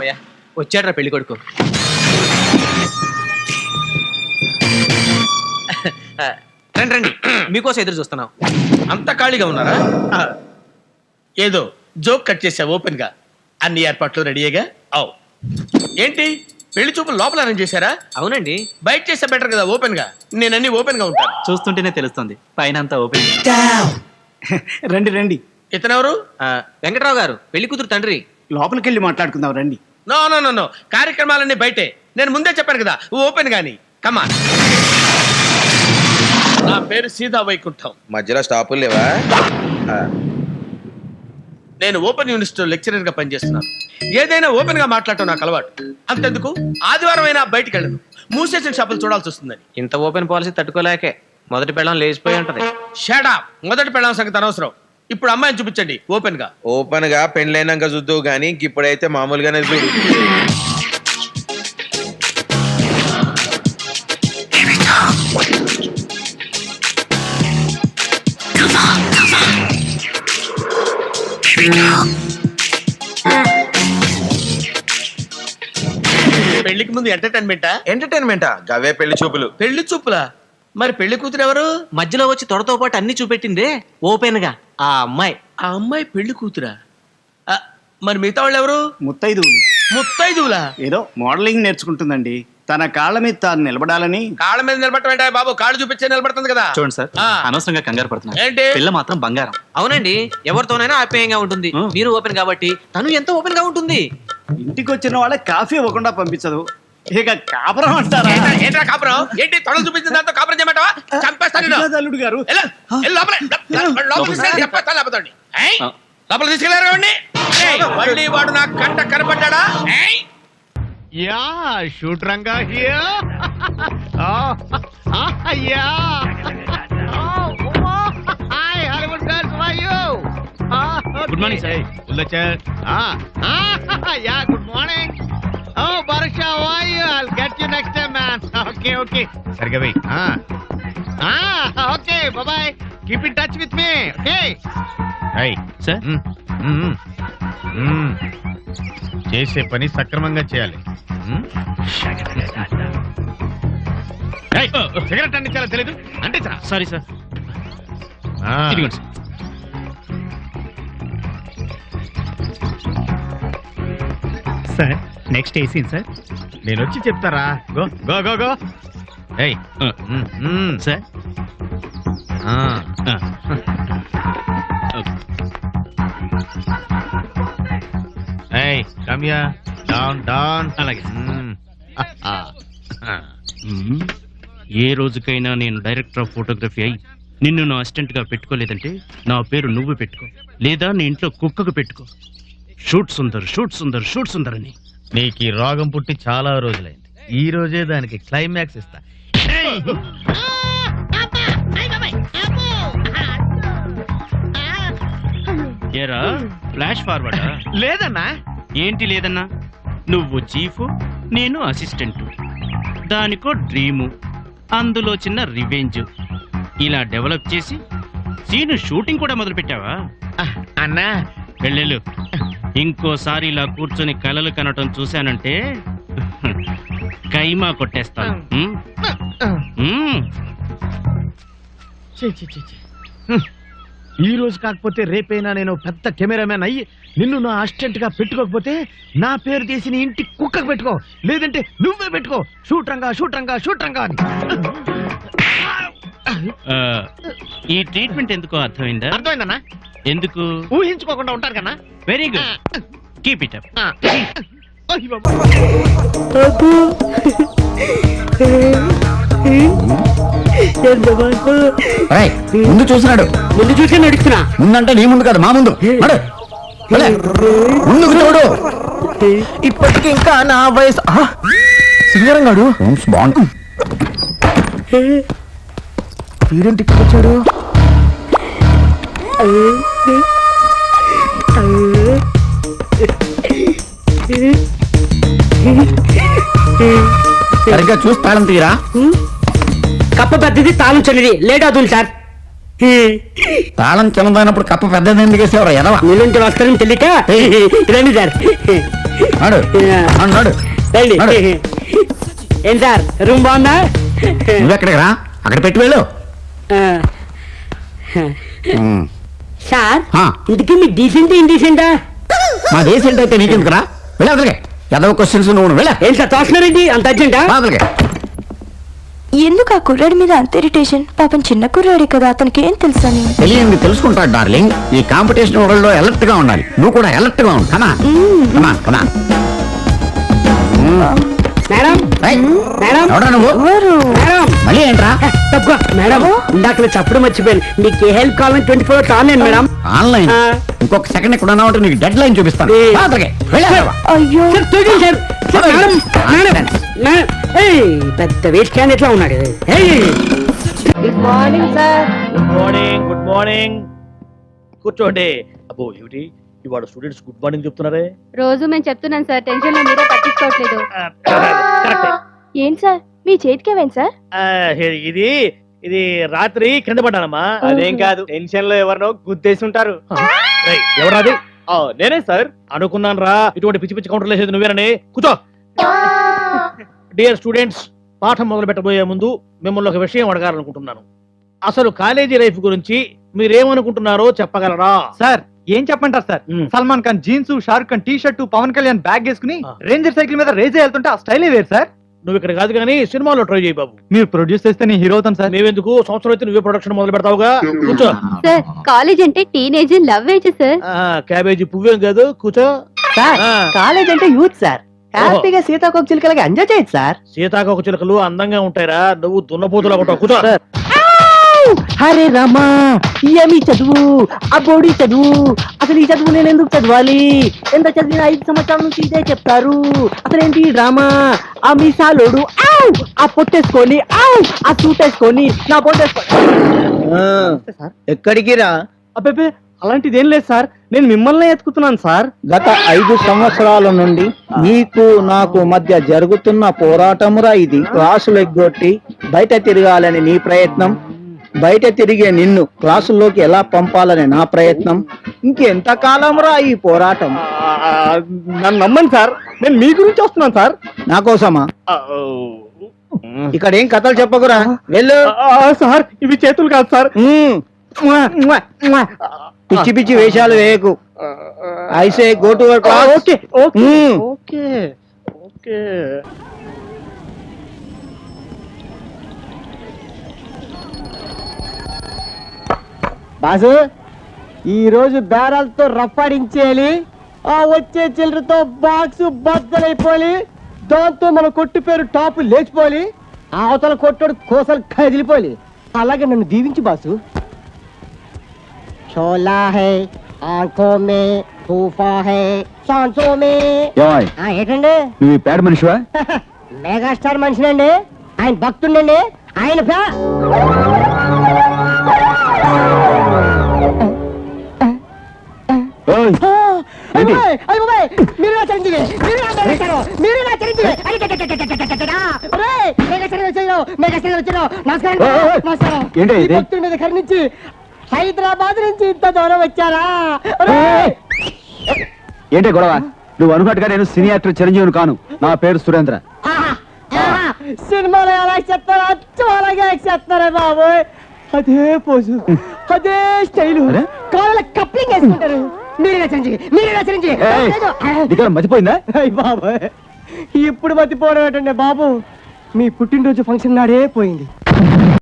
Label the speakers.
Speaker 1: అమ్మయ్య వచ్చాడ్రా పెళ్లి కొడుకు. రండి రండి, మీకోసం ఎదురు చూస్తున్నాం.
Speaker 2: అంత ఖాళీగా ఉన్నారా? ఏదో జోక్ కట్ చేసా ఓపెన్ గా. అన్ని ఏర్పాట్లు రెడీగా. అవు ఏంటి పెళ్లి చూపులు లోపల అరేంజ్ చేశారా?
Speaker 1: అవునండి.
Speaker 2: బయట చేస్తే బెటర్ కదా ఓపెన్ గా. నేను అన్ని ఓపెన్ గా ఉంటాను.
Speaker 3: చూస్తుంటేనే తెలుస్తుంది పైన అంతా ఓపెన్. రండి రండి.
Speaker 2: ఇతనెవరు?
Speaker 1: వెంకట్రావు గారు, పెళ్లి కూతురు తండ్రి.
Speaker 3: లోపలికి వెళ్ళి మాట్లాడుకుందాం రండి.
Speaker 2: నో నో నో నో, కార్యక్రమాలన్నీ బయటే. నేను ముందే చెప్పాను కదా ఓపెన్ గాని. కమాన్. నా పేరు సీతా వైకుంఠం.
Speaker 4: మధ్యలో స్టాపులు లేవా?
Speaker 2: నేను ఓపెన్ యూనివర్సిటీలో లెక్చరర్ గా పనిచేస్తున్నాను. ఏదైనా ఓపెన్ గా మాట్లాడటం నాకు అలవాటు. అంతెందుకు ఆదివారం అయినా బయటికి వెళ్ళను. మూసేసిన షాపులు చూడాల్సి వస్తుందని.
Speaker 1: ఇంత ఓపెన్ పాలసీ తట్టుకోలేకే మొదటి పెళ్ళం లేచిపోయి ఉంటది.
Speaker 2: Shut up. మొదటి పెళ్ళాం సంగతి అనవసరం. ఇప్పుడు అమ్మాయిని చూపించండి ఓపెన్ గా.
Speaker 4: ఓపెన్ గా పెండ్లైనాక చూద్దావు గానీ ఇప్పుడైతే మామూలుగానే చూడు.
Speaker 2: పెళ్లికి ముందు
Speaker 4: ఎంటర్టైన్మెంటా? గవే పెళ్లి చూపులు.
Speaker 2: పెళ్లి చూపులా? మరి పెళ్లి కూతురు ఎవరు?
Speaker 1: మధ్యలో వచ్చి తొడతో పాటు అన్ని చూపెట్టిందే ఓపెన్ గా ఆ అమ్మాయి.
Speaker 2: ఆ అమ్మాయి పెళ్లి కూతురా? మరి మిగతా వాళ్ళు ఎవరు?
Speaker 3: ముత్తైదువులు.
Speaker 2: ముత్తైదువులా?
Speaker 3: ఏదో మోడలింగ్ నేర్చుకుంటుందండి. తన కాళ్ళ మీద తాను నిలబడాలని.
Speaker 2: కాళ్ళ మీద నిలబడటం బాబు? కాళ్ళు చూపించే నిలబడుతుంది కదా.
Speaker 3: చూడండి సార్, అనవసరంగా కంగారు పడుతున్నారు.
Speaker 2: ఏంటి?
Speaker 3: పిల్ల మాత్రం బంగారం.
Speaker 1: అవునండి, ఎవరితోనైనా ఆప్యాయంగా ఉంటుంది. మీరు ఓపెన్ కాబట్టి తను ఎంతో ఓపెన్ గా ఉంటుంది.
Speaker 3: ఇంటికి వచ్చిన వాళ్ళ కాఫీ ఇవ్వకుండా పంపించదు. ఇక కాపురం అంటారా?
Speaker 2: ఏంట్రా కాపురం? ఏంటి తొడలు చూపించిన దాంతో కాపురం చేయమంటావా? చంపేస్తాను.
Speaker 3: అల్లుడు గారు
Speaker 2: లోపల తీసుకెళ్లారు. మళ్ళీ వాడు నా కంట కనపడ్డా?
Speaker 5: Yeah, shoot Ranga here. Oh, yeah. Oh, hi, Hollywood girls, how are you? Okay.
Speaker 3: Good morning, sir.
Speaker 5: Ullacha. Yeah, good morning. Oh, Barsha, how are you? I'll get you next time, man. Okay. Sargavi. Okay, bye-bye. Keep in touch with me, okay? Hey,
Speaker 3: sir.
Speaker 5: చేసే పని సక్రమంగా చేయాలి. Cigarette అందించాలో తెలీదు అంటే
Speaker 3: sorry sir. Sir next ఏ scene sir?
Speaker 5: నేను వచ్చి చెప్తారా? Go go go go. ఏయ్
Speaker 3: సార్.
Speaker 5: ఏయ్ కమ్ హియర్. Down down.
Speaker 3: అలాగే. ఏ రోజుకైనా నేను డైరెక్టర్ ఆఫ్ ఫోటోగ్రఫీ అయి నిన్ను నా అసిస్టెంట్ గా పెట్టుకోలేదంటే నా పేరు నువ్వు పెట్టుకో, లేదా నీ ఇంట్లో కుక్కకు పెట్టుకో. Shoot Sundar, shoot Sundar, shoot Sundar అని.
Speaker 5: నీకు ఈ రోగం పుట్టి చాలా రోజులైంది. ఈ రోజే దానికి క్లైమాక్స్ ఇస్తా.
Speaker 3: ఏరా ఫ్లాష్ ఫార్వర్డా?
Speaker 5: లేదన్నా.
Speaker 3: ఏంటి లేదన్నా? నువ్వు చీఫ్, నేను అసిస్టెంట్. దానికో డ్రీము, అందులో చిన్న రివెంజ్. ఇలా డెవలప్ చేసి సీను షూటింగ్ కూడా మొదలు పెట్టావా?
Speaker 5: అన్నా
Speaker 3: వెళ్ళు. ఇంకోసారి ఇలా కూర్చొని కలలు కనటం చూశానంటే కైమా కొట్టేస్తాను.
Speaker 5: ఈ రోజు కాకపోతే రేపైనా నేను పెద్ద కెమెరామెన్ అయ్యి నిన్ను నా అసిస్టెంట్ గా పెట్టుకోకపోతే నా పేరు తీసి నీ ఇంటి కుక్కకు పెట్టుకో, లేదంటే నువ్వే పెట్టుకో. Shoot Ranga, shoot Ranga, shoot Ranga అని.
Speaker 3: ఈ ట్రీట్మెంట్ ఎందుకో అర్థమైందా?
Speaker 5: అర్థమైందన్నా.
Speaker 3: ఎందుకు?
Speaker 5: ఊహించుకోకుండా ఉంటారు కన్నా.
Speaker 3: Very good, keep it up.
Speaker 6: ముందు చూసినాడు. ముందు చూసి నడుస్తున్నా. ముందంటే నీ ముందు కదా, మా ముందు. ముందుకు చూడు. ఇప్పటికి ఇంకా నా వయసు. సింగరం గాడు బాగుంటు. వీరేంటి ఇక్కడ వచ్చాడు? సరిగ్గా చూసి తాళం తీరా. కప్ప పెద్దది, తాళం చిన్నది. లేట్ అవుతుంది సార్. తాళం చిన్నదైనప్పుడు కప్ప పెద్దది ఎందుకు వేసేవారు? ఎదవా. నీళ్ళంటే వస్తారని తెలియక రండి సార్. నడు నడు
Speaker 7: రండి.
Speaker 6: నడు.
Speaker 7: ఏం సార్ రూమ్ బాగుందా?
Speaker 6: నువ్వెక్కడికి రా, అక్కడ పెట్టి వెళ్ళు.
Speaker 7: ఆ,
Speaker 6: ఉమ్.
Speaker 7: సార్
Speaker 6: ఆ.
Speaker 7: ఇంతకీ మీ డీసెంట్ ఇండీసెంటా?
Speaker 6: మా దేశం అయితే నీకెందుకురా, వెళ్ళి అదలకే. ఏదో క్వశ్చన్స్ నువ్వు వెళ్ళా
Speaker 7: ఏం సార్ తోస్తున్నారండి అంత అర్జెంటా?
Speaker 6: అదలకే.
Speaker 8: ఎందుకు ఆ కుర్రాడి మీద అంత ఇరిటేషన్? పాపం చిన్న కుర్రాడే కదా, అతనికి ఏం తెలుసని.
Speaker 6: తెలియంది తెలుసుకుంటాడు డార్లింగ్. ఈ కాంపిటీషన్ వరల్డ్ లో అలర్ట్ గా ఉండాలి. నువ్వు కూడా అలర్ట్ గా ఉండు. కమా కమా.
Speaker 7: మేడం మేడం
Speaker 6: ఎవడా నువ్వు?
Speaker 7: మేడం
Speaker 6: మళ్ళీ ఏంట్రా?
Speaker 7: తప్పుకో మేడం, ఇందాక చెప్పడం మర్చిపోయాను. మీకు ఏ హెల్ప్ కావాలని 24 hours ఆన్లైన్ మేడం.
Speaker 6: ఆన్లైన్
Speaker 7: ఆ.
Speaker 6: ఇంకొక సెకండ్ ఇక్కడ ఉన్నావు అంటే నీకు డెడ్ లైన్ చూపిస్తాను.
Speaker 7: ఏ.
Speaker 6: అదలకే. వెళ్ళా.
Speaker 8: అయ్యో
Speaker 7: సార్ చూడండి sir. Sir, madam madam madam. ఏయ్, పెద్ద వేస్ట్ క్యాన్ ఎట్లా ఉన్నాడు? Good morning sir.
Speaker 2: Good morning, good morning. కూర్చోండి. అబ్బో ఏమిటి ఇవాళ స్టూడెంట్స్ గుడ్ మార్నింగ్ చెప్తున్నారే?
Speaker 9: రోజు మేము చెప్తున్నాం సార్, టెన్షన్ లో మీరే పట్టించుకోవట్లేదు.
Speaker 2: కరెక్టే.
Speaker 8: ఏం సార్ మీ చేతికి ఏమైంది సార్?
Speaker 2: ఇది ఇది రాత్రి కింద పడ్డానమ్మా.
Speaker 1: అదేం కాదు, టెన్షన్ లో ఎవరినో గుద్దేసి ఉంటారు.
Speaker 2: ఎవరాది? నేనే సార్. అనుకున్నాను రా, ఇటువంటి పిచ్చి పిచ్చి కౌంటర్లు వేసేది నువ్వేనని. కూర్చో. డియర్ స్టూడెంట్స్, పాఠం మొదలు పెట్టబోయే ముందు మిమ్మల్ని ఒక విషయం అడగాలనుకుంటున్నాను. అసలు కాలేజీ లైఫ్ గురించి మీరేమనుకుంటున్నారో చెప్పగలరా?
Speaker 10: సార్ ఏం చెప్పంటారు sir? Salman Khan jeans, Shahrukh Khan T shirt, Pawan Kalyan bag వేసుకుని రేంజర్ సైకిల్ మీద రేజ్ వెళ్తుంటే ఆ స్టైలే వేరు సార్.
Speaker 2: నువ్వు ఇక్కడ కాదు కానీ సినిమాలో ట్రై చేయి బాబు.
Speaker 10: మీరు ప్రొడ్యూస్ చేస్తే నేను హీరో అవుతాను సార్.
Speaker 2: మేవెందుకు, సంవత్సరం అయితే నువ్వే ప్రొడక్షన్ మొదలు పెడతావుగా. కూర్చో.
Speaker 9: సార్ కాలేజ్ అంటే teenage love age sir.
Speaker 2: Cabbage పువ్వేం కాదు, కూర్చో.
Speaker 7: సార్
Speaker 2: ఆ.
Speaker 7: కాలేజ్ అంటే యూత్ సార్. హ్యాపీగా సీతాకోక చిలుకలకి ఎంజాయ్ చేయొచ్చు సార్.
Speaker 2: సీతాకోక చిలుకలు అందంగా ఉంటాయిరా, నువ్వు దున్నపోతులా ఉంటావు. కూర్చో.
Speaker 7: హరే రామా, ఏమి చదువు, ఆ బోడి చదువు. అసలు ఈ చదువు నేను ఎందుకు చదవాలి? ఎంత చదివిన 5 సంవత్సరాల నుంచి ఇదే చెప్తారు. అసలు ఏంటి ఈ డ్రామా? ఆ మీసాలోడు ఆవ్, ఆ పొట్టేసుకొని ఆవ్, ఆ సూట్ వేసుకొని నా పొట్టేసుకొని.
Speaker 1: ఎక్కడికి రా?
Speaker 7: అబ్బే అలాంటిది ఏం లేదు సార్, నేను మిమ్మల్ని ఎత్తుకుతున్నాను సార్.
Speaker 1: గత 5 సంవత్సరాల నుండి నీకు నాకు మధ్య జరుగుతున్న పోరాటమురా ఇది. క్లాసులు ఎగ్గొట్టి బయట తిరగాలని నీ ప్రయత్నం, బయట తిరిగే నిన్ను క్లాసుల్లోకి ఎలా పంపాలని నా ప్రయత్నం. ఇంకెంత కాలంరా ఈ పోరాటం?
Speaker 7: నన్ను నమ్మండి సార్, నేను మీ గురించి వస్తున్నాను సార్.
Speaker 1: నా కోసమా? ఇక్కడ ఏం కథలు చెప్పకురా, వెళ్ళు.
Speaker 7: సార్ ఇవి చేతులు కాదు సార్.
Speaker 1: పిచ్చి పిచ్చి వేషాలు వేయకు. ఐసే go to your class.
Speaker 7: Okay okay okay okay. Boss, ఈ రోజు బేరాలతో రప్పాడించేయాలి. ఆ వచ్చే చిల్లరతో బాక్స్ బద్దలైపోయి, దాంతో మన కొట్టు పేరు టాప్ లేచిపోయి, ఆ అవతల కొట్టుడు కోసలు కదిలిపోయి. అలాగే నన్ను దీవించి బాసు. చోలా హై ఆంఖో మే, తూఫా హై సాంసో మే. ఏంటండి
Speaker 6: నువ్వు పేడ మనిషివా?
Speaker 7: మెగాస్టార్ మనిషినండి, ఆయన భక్తుండండి, ఆయన భక్తుండే దగ్గర నుంచి హైదరాబాద్ నుంచి ఇంత దూరం వచ్చారా?
Speaker 6: ఏంటే గొడవ? నువ్వు అనుకున్నట్టుగా నేను సినీ యాక్టర్ చిరంజీవిని కాను. నా పేరు సురేంద్ర.
Speaker 7: సినిమాలో ఎలా చెప్తారో అచ్చం అలాగే చెప్తారా బాబు. అదే పోజు, అదే స్టైలు, కాళ్ళ కప్లింగ్ వేసుకుంటారు. మీరే చిరంజీవి.
Speaker 6: మర్చిపోయిందా?
Speaker 7: బాబు ఇప్పుడు మతిపోవడం ఏంటండి బాబు? మీ పుట్టినరోజు ఫంక్షన్ నాడే పోయింది.